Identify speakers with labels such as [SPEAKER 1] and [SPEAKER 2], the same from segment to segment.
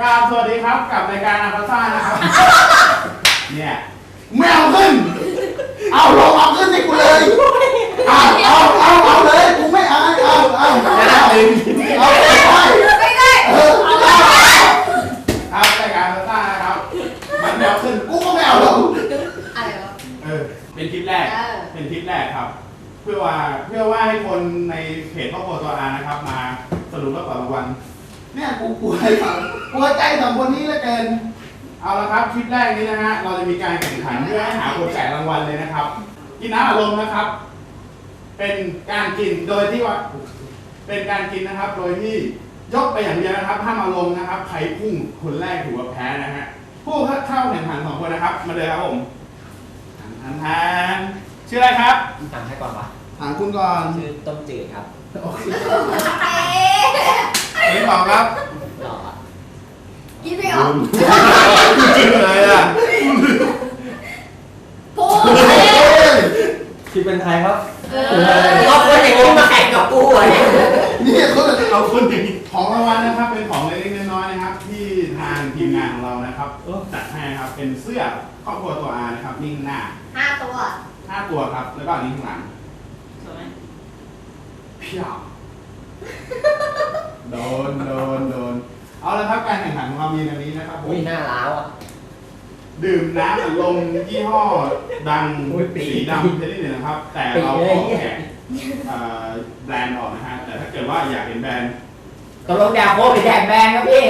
[SPEAKER 1] ราบสวัสดีครับกับรายการอาภาซ่านะครับเนี่ยไม่เอาขึ้นเอาลงเอาขึ้นให้กูเลยเอาเลยกูไม่เอาเอาไม่ได้ครับรายการอาภาซ่านะครับมันไม่เอาขึ้นกูก็ไม่เอาลง
[SPEAKER 2] อะไรวะ
[SPEAKER 1] เป็นคลิปแรกครับเพื่อว่าให้คนในเพจครอบครัวตัวอานะครับมาสรุปแล้วต่อรางวัลเนี่ยกูกลัวใจสองคนนี้เหลือเกินเอาละครับคลิปแรกนี้นะฮะเราจะมีการแข่งขันเพื่อให้หาคนแจกรางวัลเลยนะครับกินน้ำอารมณ์นะครับเป็นการกินโดยที่ว่าเป็นการกินนะครับโดยที่ยกไปอย่างเดียวนะครับห้ามอารมณ์นะครับใครพุ่งคนแรกถือว่าแพ้นะฮะผู้เข้าแข่งขัน2คนนะครับมาเลยครับผมทานชื่ออะไรครับ
[SPEAKER 3] ถามใครก่อนวะ
[SPEAKER 1] ถามคุณก่อน
[SPEAKER 3] ชื่อต้มจืดครับ
[SPEAKER 1] โอเคนี่บอกครับ
[SPEAKER 3] หล่อ
[SPEAKER 2] กินไม่ออก
[SPEAKER 1] อะไรอ่ะ
[SPEAKER 2] พูด
[SPEAKER 3] ที่เป็นใครครับเอาคนอย่างนี้มาแข่งกับกู
[SPEAKER 1] นี่เขาเอาคนอย่างนี้ของรางวัลนะครับเป็นของเล็กๆน้อยๆนะครับที่ทางทีมงานของเรานะครับจัดให้ครับเป็นเสื้อครอบครัวตัวอานะครับนิ่งหน้า
[SPEAKER 2] 5 ตัว
[SPEAKER 1] ครับแล้วก็อันนี้ข้างหลัง
[SPEAKER 2] สวยไหม
[SPEAKER 1] เพี้ยโดนเอาละครับการแข่งขันของเรามีแบบนี้นะครับ
[SPEAKER 3] อุ้ยหน้าล้าวอ่ะ
[SPEAKER 1] ดื่มน้ำอัดลมยี่ห้อดังสีดำชนิดหนึ่งนะครับแต่เราขอแกะแบรนด์ออกนะฮะแต่ถ้าเกิดว่าอยากเห็นแบรนด์
[SPEAKER 3] ตกลงแดกโค้กหรือแดกแบรนด์ครับพี่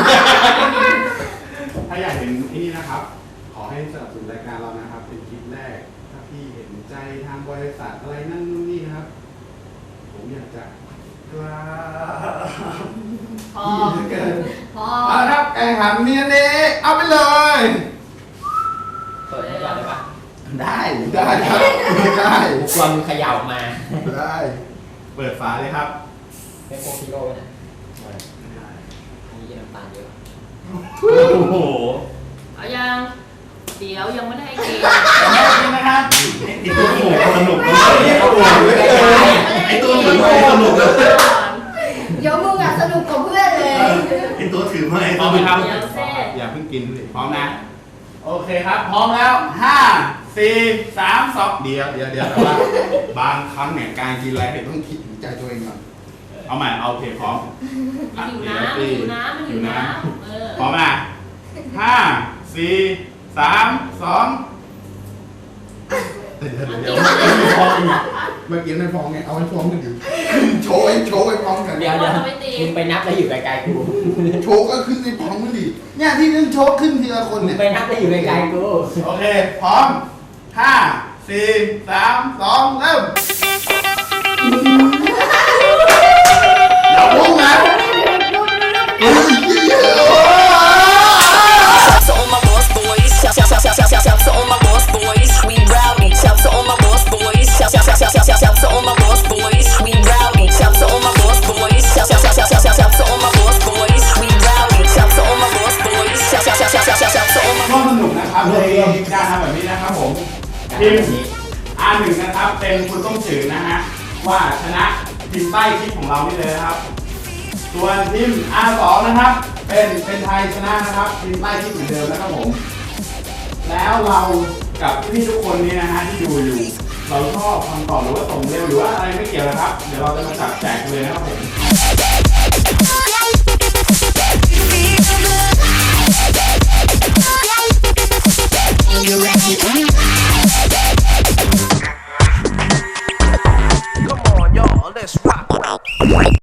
[SPEAKER 1] ถ้าอยากเห็นนี่นะครับขอให้สนับสนุนรายการเรานะครับเป็นคลิปแรกถ้าพี่เห็นใจทางบริษัทอะไรนั่นนู่นนี่นะครับผมอยากจะกล้า
[SPEAKER 2] พอ
[SPEAKER 1] เอาครับแข่งขันนี้เอาไปเลย
[SPEAKER 3] เปิดให้ก่อนได้ปะ
[SPEAKER 1] ได้ครับได้
[SPEAKER 3] ความเขย่ามา
[SPEAKER 1] ได้เปิดฝาเลยครับ
[SPEAKER 3] ไม่โคคิโร่นะมีน้ำตาลเยอะ
[SPEAKER 1] โอ้โห
[SPEAKER 2] เอายังเดี๋ยวยังไม่ได้กิน
[SPEAKER 1] นะครับ
[SPEAKER 3] ไอตัวหมูสนุก
[SPEAKER 1] ไอตัวถือไม่สนุกเลย
[SPEAKER 2] เดี๋ยวมึงสนุกกว่าเพื่อนเลย
[SPEAKER 1] ไอตัวถือไม่พร้อมไหมครับอย่าเพิ่งกินพร้อมนะโอเคครับพร้อมแล้ว5 4 3 2เดี๋ยวแต่ว่าบางครั้งเนี่ยการกินอะไรต้องคิดถึงใจตัวเองก่อนเอาใหม่เอาเพลงพร้อม
[SPEAKER 2] อยู่น้ำ
[SPEAKER 1] พร้อมนะ5 4 3 2เดี๋ยวเมื่อกี้ไม่ฟ้องไงเอาให้ฟ้องกันอยู่โชว์ให้ฟ้องกัน
[SPEAKER 3] เดี๋ยวมึงไปนับแล้วอยู่ไกลๆกู
[SPEAKER 1] โชว์ก็ขึ้นในฟ้องมันดิเนี่ยที่นึงโชว์ขึ้นทีละคนเนี่ย
[SPEAKER 3] ไปนับแล้วอยู่ไกลๆกู
[SPEAKER 1] โอเคพร้อม5 4 3 2เริ่มอย่าพุ่งนะก็สนุกนะครับในการทำแบบนี้นะครับผมทีม R1 นะครับเป็นคุณต้มจืดนะฮะว่าชนะทีมใต้คลิปของเรานี่เลยนะครับส่วนทีม R2 นะครับเป็นไทยชนะนะครับทีมใต้คลิปเหมือนเดิมนะครับผมแล้วเรากับพี่ทุกคนนี้นะฮะที่ดูอยู่เราชอบคำตอบหรือว่าส่งเร็วหรือว่าอะไรไม่เกี่ยวนะครับเดี๋ยวเราจะมาจับแจกเลยนะครับผม